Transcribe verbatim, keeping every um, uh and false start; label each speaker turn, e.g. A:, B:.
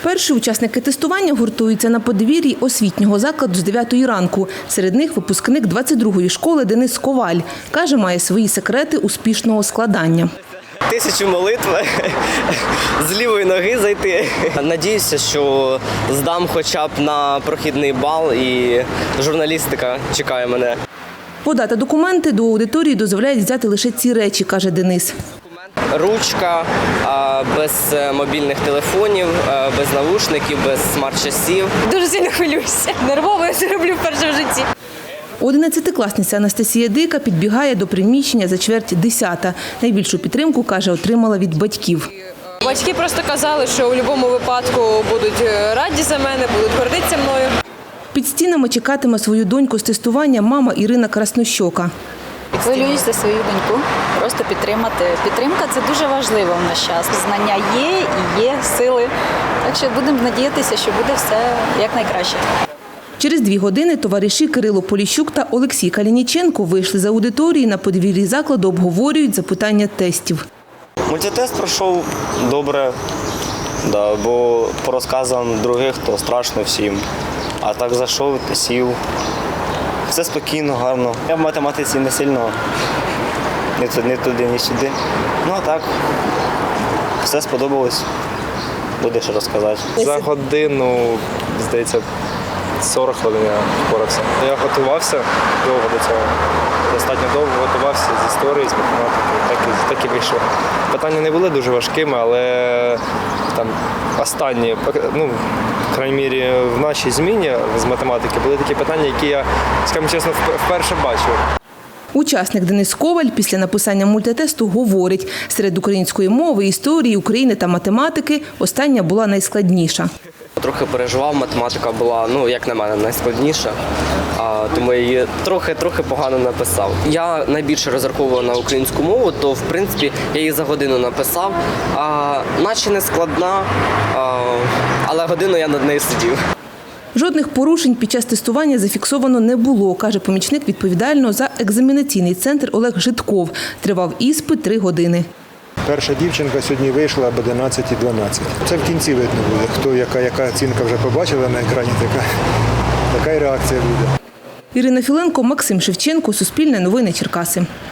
A: Перші учасники тестування гуртуються на подвір'ї освітнього закладу з дев'ятої ранку. Серед них випускник двадцять другої школи Денис Коваль. Каже, має свої секрети успішного складання.
B: Тисячу молитв, з лівої ноги зайти. Надіюся, що здам хоча б на прохідний бал і журналістика чекає мене.
A: Подати документи до аудиторії дозволяють взяти лише ці речі, каже Денис.
B: Ручка, без мобільних телефонів, без навушників, без смарт-часів.
C: Дуже сильно хвилююся. Нервово я це роблю вперше в житті.
A: Одинадцятикласниця Анастасія Дика підбігає до приміщення за чверть десята. Найбільшу підтримку, каже, отримала від батьків.
C: Батьки просто казали, що у будь-якому випадку будуть раді за мене, будуть гордитися мною.
A: Під стінами чекатиме свою доньку з тестування мама Ірина Краснощока.
D: Хвилююсь за свою доньку, просто підтримати. Підтримка – це дуже важливо в наш час. Знання є і є сили. Так що будемо надіятися, що буде все якнайкраще.
A: Через дві години товариші Кирило Поліщук та Олексій Калініченко вийшли з аудиторії, на подвір'ї закладу обговорюють запитання тестів.
B: Мультитест пройшов добре, да, бо по розказам других то страшно всім. А так зайшов, сів. Все спокійно, гарно. Я в математиці не сильно, ні туди, ні туди, ні сюди. Ну а так, все сподобалось, буде що розказати.
E: За годину, здається, сорок хвилин я впорався. Я готувався довго до цього, достатньо довго готувався з історії, з математики, так і, так і вийшло. Питання не були дуже важкими, але там останні, ну, в крайній мірі, в нашій зміні з математики були такі питання, які я, скажімо чесно, вперше бачив.
A: Учасник Денис Коваль після написання мультитесту говорить, серед української мови, історії, України та математики остання була найскладніша.
B: Трохи переживав, математика була, ну, як на мене, найскладніша, а, тому я її трохи-трохи погано написав. Я найбільше розраховував на українську мову, то, в принципі, я її за годину написав, а, наче не складна, а, але годину я над нею сидів.
A: Жодних порушень під час тестування зафіксовано не було, каже помічник відповідального за екзаменаційний центр Олег Житков. Тривав іспит три години.
F: Перша дівчинка сьогодні вийшла об одинадцятій дванадцять. Це в кінці видно буде, хто яка, яка оцінка вже побачила на екрані, така, така і реакція буде.
A: Ірина Філенко, Максим Шевченко, Суспільне новини Черкаси.